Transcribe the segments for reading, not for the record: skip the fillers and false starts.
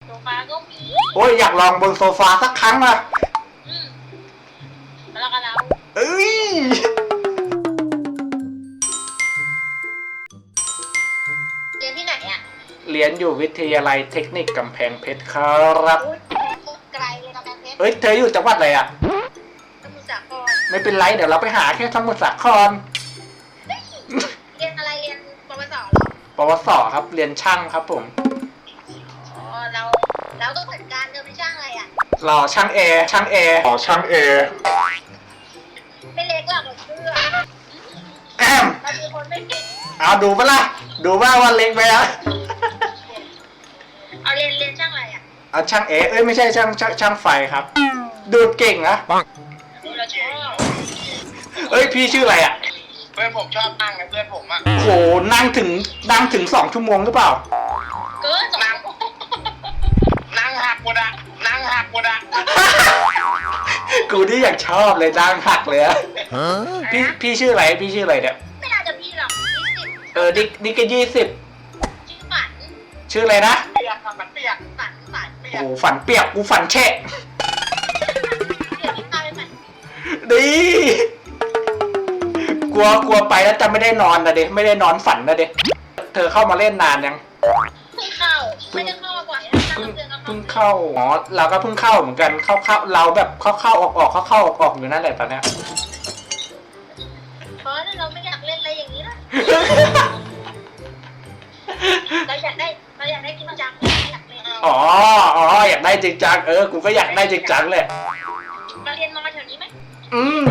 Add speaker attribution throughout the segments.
Speaker 1: โซฟาก็มี
Speaker 2: โอ้ยอยากลองบนโซฟาสักครั้งอะ
Speaker 1: อืมแล้วก็เรา
Speaker 2: เอ้ย
Speaker 1: เรียนที่ไหนอ่ะ
Speaker 2: เรียนอยู่วิทยาลัยเทคนิคกำแพงเพชรครับ
Speaker 1: อุ๊ยไกลเลยกำแพงเพชร
Speaker 2: เอ้ยเธออยู่จังหวัดอะไรอะ
Speaker 1: สมุทรสาคร
Speaker 2: ไม่เป็นไรเดี๋ยวเราไปหาแค่สมุทรสาคร
Speaker 1: เรียนอะไรเรียนปวสเหรอ
Speaker 2: ปวสครับเรียนช่างครับผม
Speaker 1: อ๋อเราก็เหมือนกันเธอเป็นช่างอะไรอ่ะ
Speaker 2: รอช่างแอร์อ๋อช่างแอร์
Speaker 1: ไม่เล็กหรอกเราเชื่อ
Speaker 2: แอม
Speaker 1: เราเป็นคนไม่เก่ง
Speaker 2: เอาดูปะล่ะดูว่าวันเล็กไปอะ
Speaker 1: เอาเรียนช่างอะไรอ่ะ
Speaker 2: เอาช่างแอร์เอ้ยไม่ใช่ช่างไฟครับดูดเก่งนะ
Speaker 1: เราชอบ
Speaker 2: เอ้ยพี่ชื่ออะไรอะ
Speaker 3: เพื่อนผมชอบนั่งนะเพื่อนผมอะ
Speaker 2: โหนั่งถึง2 ชั่วโมงหรือเปล่า
Speaker 1: เกินสอง
Speaker 3: นั่งหักหมดอะนั่งหักหมดอะ
Speaker 2: กูนี่อยากชอบเลยดังหักเลยอะพี่ชื่ออะไรเนี่ย
Speaker 1: ไม่น่าจะพี่หรอก20
Speaker 2: นี่ก็20
Speaker 1: ชื่อฝัน
Speaker 2: ชื่ออะไรนะ
Speaker 3: เปียกครับมันเปียก
Speaker 1: ฝัน
Speaker 3: เปีย
Speaker 2: โอ้
Speaker 3: ก
Speaker 2: โหฝันเปียกกูฝันแฉะ
Speaker 1: เดี๋ยวพี่พาไปฝัน
Speaker 2: ดีกลัวไปแล้วจะไม่ได้นอนนะเด็ไม่ได้นอนฝันนะเด็เธอเข้ามาเล่นนานยัง
Speaker 1: เพิ่งเข้าไม่ได้เข้าก่อนนั่งเดือนก็
Speaker 2: เพิ่งเข้าอ๋อเราก็เพิ่งเข้าเหมือนกันเข้าเราแบบเข้าออกอยู่นั่นแหละตอนเนี้ย
Speaker 1: เพราะเราไม่อยากเล่นอะไรอย่างนี้นะเราอยากได้จริงจังอยากเล่น
Speaker 2: อ๋ออยากได้จริงจังกูก็อยากได้จริงจังเลย
Speaker 1: มาเรียนมอแถวนี้ไหม
Speaker 2: อืม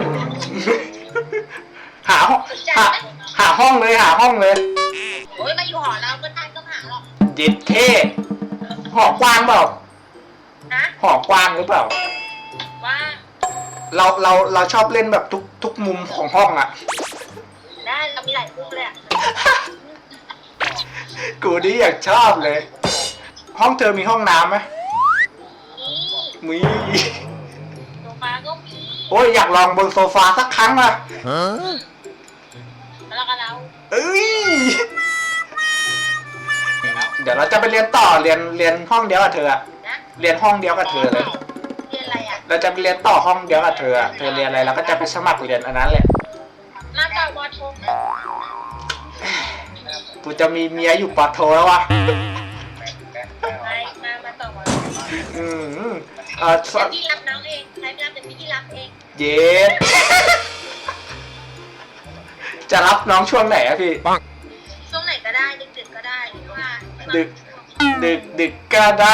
Speaker 2: หาห้องหาห้องเลย
Speaker 1: โอ้ยมาอยู่หอเราก็ได้ก็หาหรอก
Speaker 2: เย็ดเท่หอกว้างเปล่า
Speaker 1: นะ
Speaker 2: หอกว้างหรือเปล่า
Speaker 1: ว่า
Speaker 2: เราชอบเล่นแบบทุกมุมของห้องอ่ะ
Speaker 1: ได้เรามีหลายมุมเลยอ่ะ
Speaker 2: กูนี่อยากชอบเลย ห้องเธอมีห้องน้ำไหม
Speaker 1: นี่
Speaker 2: มี
Speaker 1: โซฟาก็มี
Speaker 2: โอ้ยอยากลองบนโซฟาสักครั้งอ่ะ
Speaker 1: แล้วก็เรา
Speaker 2: เอ้ยเดี๋ยวเราจะไปเรียนต่อเรียนห้องเดียวกับเธออะ
Speaker 1: นะ
Speaker 2: เรียนห้องเดียวกับเธอเลย
Speaker 1: เรียนอะไรอ่ะ
Speaker 2: เราจะไปเรียนต่อห้องเดียวกับเธออะเธอเรียนอะไรเราก็จะไปสมัครเรียนอันนั้นแหละ
Speaker 1: มาต่อวอโท
Speaker 2: กูจะมีเมียอยู่ปอโทแล้ววะ
Speaker 1: มาต่อวอโท
Speaker 2: อืม
Speaker 1: เดี๋ยวพี่รับน้องเองใครไม่รับเดี๋ยวพี่รับเอง
Speaker 2: เย็ดจะรับน้องช่วงไหนอะพี่
Speaker 1: ช่วงไหนก็ได้ดึกๆก็ได้หรือว่า
Speaker 2: ดึกก็ได้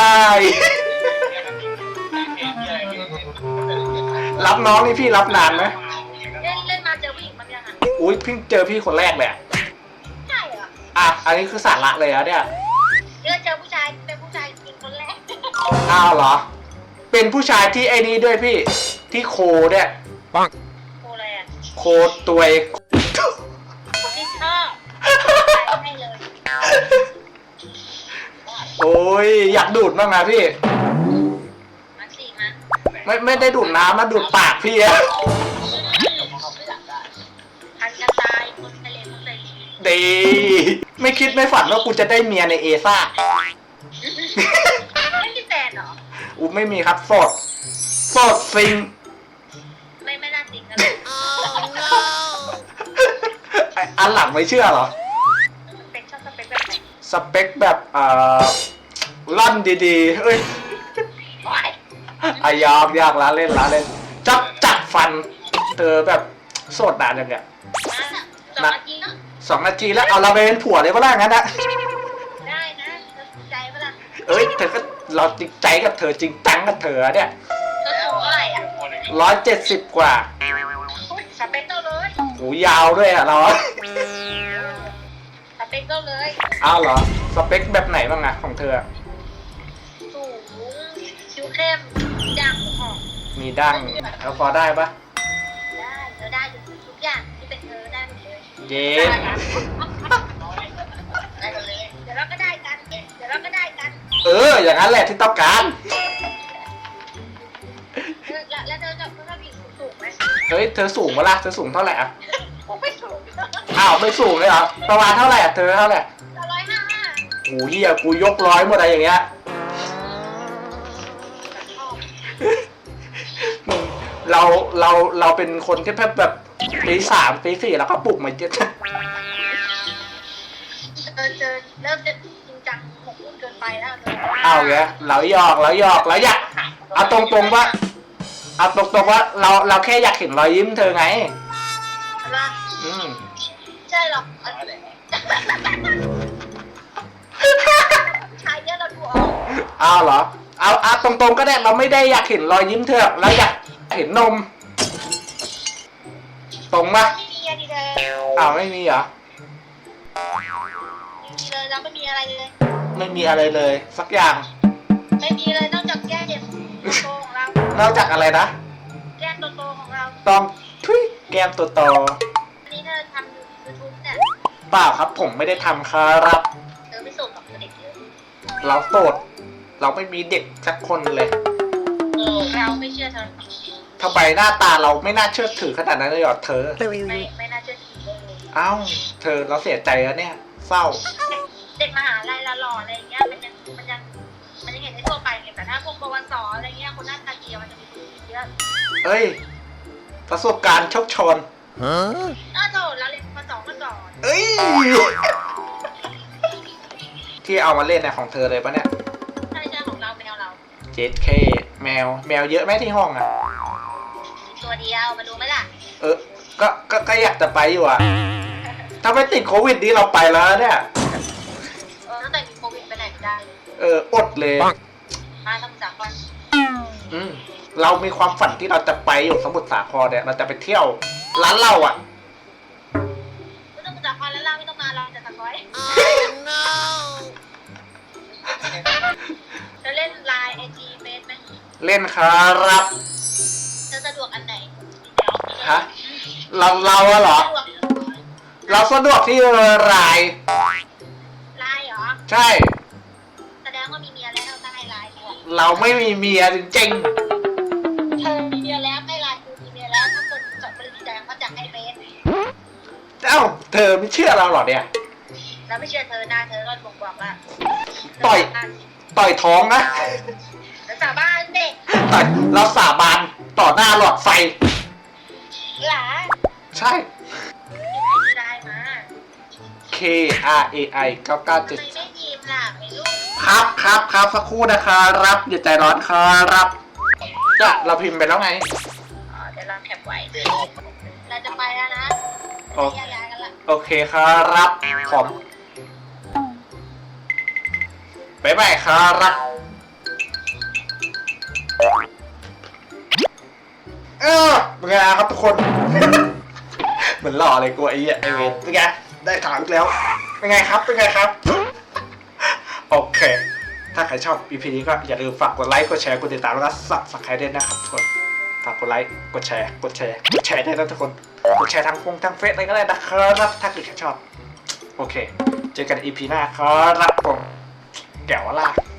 Speaker 2: รับน้องนี่พี่รับนานไหม
Speaker 1: เล่นมาเจอผู้หญิงบางอย่างอ่ะ
Speaker 2: อุ้ยเพิ่งเจอพี่คนแรกเลยอะ
Speaker 1: ใช่เหรอ
Speaker 2: อันนี้คือสาระเลยอะเนี่ย
Speaker 1: เจอผู้ชายเป็นผู้ชายจริงคนแรก
Speaker 2: อ้าวเหรอ เป็นผู้ชายที่ไอ้นี้ด้วยพี่ ที่โคเนี่ย
Speaker 1: โคอะไรอ่ะ
Speaker 2: โคตัวย
Speaker 1: ที่ชอบให้เลย
Speaker 2: โอ้ยอยากดูดบ้างนะพี่
Speaker 1: มาสิมา
Speaker 2: ไม่ได้ดูดน้ำนะดูดปากพี่อะ
Speaker 1: พันกันตายคนทะเลคนทะเล
Speaker 2: ดีไม่คิดไม่ฝันว่ากูจะได้เมียในเอซ่า
Speaker 1: ไม่มีแฟนเหรอ
Speaker 2: อูไม่มีครับโสดซิง
Speaker 1: ไม่น่าจริงกันเลย
Speaker 2: อันหลังไม่เชื่อเหรอ
Speaker 1: เป็นชอบสเปคแบบไหน
Speaker 2: สเปคแบบล่อนดีๆเอ้ย
Speaker 1: โอ๊ย
Speaker 2: ยากละเล่นจัดฟันเธอแบบโสดนานยังเนี่ย
Speaker 1: มา2 นาทีเนาะ
Speaker 2: 2 นาทีแล้วเอาเราไปเป็นผัวเลยก็ได้งั้นนะ
Speaker 1: ได้นะเธอสนใจปะล่ะ
Speaker 2: เอ้ยเธอก็เราจริงใจกับเธอจริงจังกับเธอเนี่ย
Speaker 1: เธอสูงเท่าไหร่อ่ะ
Speaker 2: 170 กว่า
Speaker 1: อุ๊ยสเปคเจ้าเลย
Speaker 2: หูยาวด้วยอะเรา
Speaker 1: สเปคเจ้าเลย
Speaker 2: อ้าวเหรอสเปคแบบไหนบ้างอะของเธอ
Speaker 1: สูงคิ้วเข้มดังหอม
Speaker 2: มีดั้งแล้วพอได้ปะ
Speaker 1: ได้เธอได้ทุกอย่างที่เป็นเธอได้หมดเลย
Speaker 2: เย้
Speaker 1: ได้หมดเลยเดี๋ยวเราก็ได้กัน
Speaker 2: อย่างนั้นแหละที่ต้องการ
Speaker 1: แล้วเธอจะผู้หญิงสูงไหม
Speaker 2: เฮ้ยเธอสูงปะล่ะเธอสูงเท่าไหร่อะ
Speaker 1: ผมไม่สูง
Speaker 2: อ้าวไม่สูงเลยเหรอประมาณเท่าไหร่อะเธอเท่าไหร่
Speaker 1: 155
Speaker 2: โอ้ยเหี้ยกูยก100หมดอะไรอย่างเงี้ย
Speaker 1: ไ
Speaker 2: เราเป็นคนที่แบบตีสามตีสี่แล้วก็ปลุกมาเยอะ
Speaker 1: เจอเริ่มจะจริงจังหมกมุ่นเกินไปแล้วเธอ
Speaker 2: เอาแกเราหยอกแล้วอยากเอาตรงๆว่าเราแค่อยากเห็นรอยยิ้มเธอไง
Speaker 1: อะไร
Speaker 2: อืม
Speaker 1: ใช่หรอกชายเยอะเราดูออก
Speaker 2: เอาเหรอเอาตรงๆก็ได้เราไม่ได้อยากเห็นรอยยิ้มเธอเราอยากเห็นนม ตรงปะ
Speaker 1: ไม่มีอะไรเลย
Speaker 2: อ้าวไม่มีเหรอ
Speaker 1: ไม่มีเลยเราไม่มีอะไรเลย
Speaker 2: ไม่มีอะไรเลย สักอย่าง
Speaker 1: ไม่มีเลยนอกจากแก้มโตของเรา
Speaker 2: นอกจากอะไรนะ
Speaker 1: แก้มโตของเรา
Speaker 2: ต้องทุยแก้มตัวโต
Speaker 1: อันนี้เธอทำยูทูบเนี่ย
Speaker 2: เปล่าครับผมไม่ได้ทำครับ
Speaker 1: เธอไม่ส่งกับเด็กเยอะ
Speaker 2: เราโสดเราไม่มีเด็กสักคนเลย
Speaker 1: เราไม่เชื่อเธอ
Speaker 2: ทำไมหน้าตาเราไม่น่าเชื่อถือขนาดนั้นเลยเหรอเธอ
Speaker 1: ไม่น่าเชื่อถือเลย
Speaker 2: เอ้าเธอเราเสียใจแล้วเนี่ย เศร้า
Speaker 1: เด็กมหาลัยละหล่ออะไรเงี้ยมันยังเห็นได้ทั่วไปไงแต่ถ้าพวกปวสอะไรเงี้ยคนหน้าตาเกียวมันจะมีเยอะ
Speaker 2: เอ้ย ประสบการณ์โชคโชน
Speaker 1: อ้าวโถเราเรียนปสองมาก่อน
Speaker 2: เอ้ย ที่เอามาเล่นเนี่ยของเธอเลยปะเนี่ย
Speaker 1: ใช่ของเราแมวเรา
Speaker 2: JK แมวเยอะไหมที่ห้องอ่ะ
Speaker 1: ตัวเดียวมาดูไหมล่ะ
Speaker 2: ก็อยากจะไปอยู่อ่ะ ถ้าไม่ติดโควิดนี้เราไปแล้วเนี่ย
Speaker 1: ตั้งแต่มีโควิดไปไหนไม่ได้เลย
Speaker 2: อดเลย
Speaker 1: มาสมุทรสาคร
Speaker 2: เรามีความฝันที่เราจะไปอยู่สมุทรสาครเนี่ย เราจะไปเที่ยวร้านเหล้าอ่ะ
Speaker 1: ไม่ต้องสมุทรสาครแล้วเราไม่ต้องมาเราจะตะก้อยจะเล่นไลน์ไอจีเฟซไหม
Speaker 2: เล่นครับ
Speaker 1: จะสะดวกอันไหน
Speaker 2: ฮะ เราอะเหรอ เราสะดวกที่ไลน์
Speaker 1: ไลน์เหรอ
Speaker 2: ใช่
Speaker 1: แสดงว่ามีเมียแล้วถ้าให้ไลน์เธอ
Speaker 2: เราไม่มีเมียจริง
Speaker 1: มีเมียแล้วให้ไลน์คือมีเมียแล้วถ้าคนจดบริษัทแดงเขาจะให้เฟซ
Speaker 2: ๆเอ้าเธอไม่เชื่อเราเหรอเนี่ย
Speaker 1: เราไม่เชื่อเธอหน้าเธอก็บ่งบอกว่า
Speaker 2: ต่อยท้องนะ
Speaker 1: แล้วสาบานเด็ก
Speaker 2: เราสาบานต่อหน้าหลอดไฟ
Speaker 1: หลา
Speaker 2: ใช่
Speaker 1: ไลน์มา
Speaker 2: KRAI
Speaker 1: ทำไม
Speaker 2: 997
Speaker 1: ไม่ยิ้มล่ะไม่รู้
Speaker 2: ครับสักครู่นะครับอย่าใจร้อนครับจะเราพิมพ์ไปแล้วไง
Speaker 1: เดี๋ยวเราแคปไว้เราจะไปแล้วนะ
Speaker 2: โอ
Speaker 1: แยกย้ายกันละ
Speaker 2: โอเคครับผมบ๊ายบายครับเป็นไงครับทุกคน เหมือนหล่อเลยกูไอ้เวทเป็นไงได้ถามอีกแล้วเป็นไงครับโอเค ถ้าใครชอบ EP นี้ก็อย่าลืมฝากกดไลค์กดแชร์กดติดตามแล้วก็Subscribeด้วยนะครับทุกคนฝากกดไลค์กดแชร์ด้วยนะทุกคนกดแชร์ทางเฟซอะไรก็ได้นะครับถ้าเกิดใครชอบโอเคเจอกัน EP หน้าครับผมแก้วล่ะ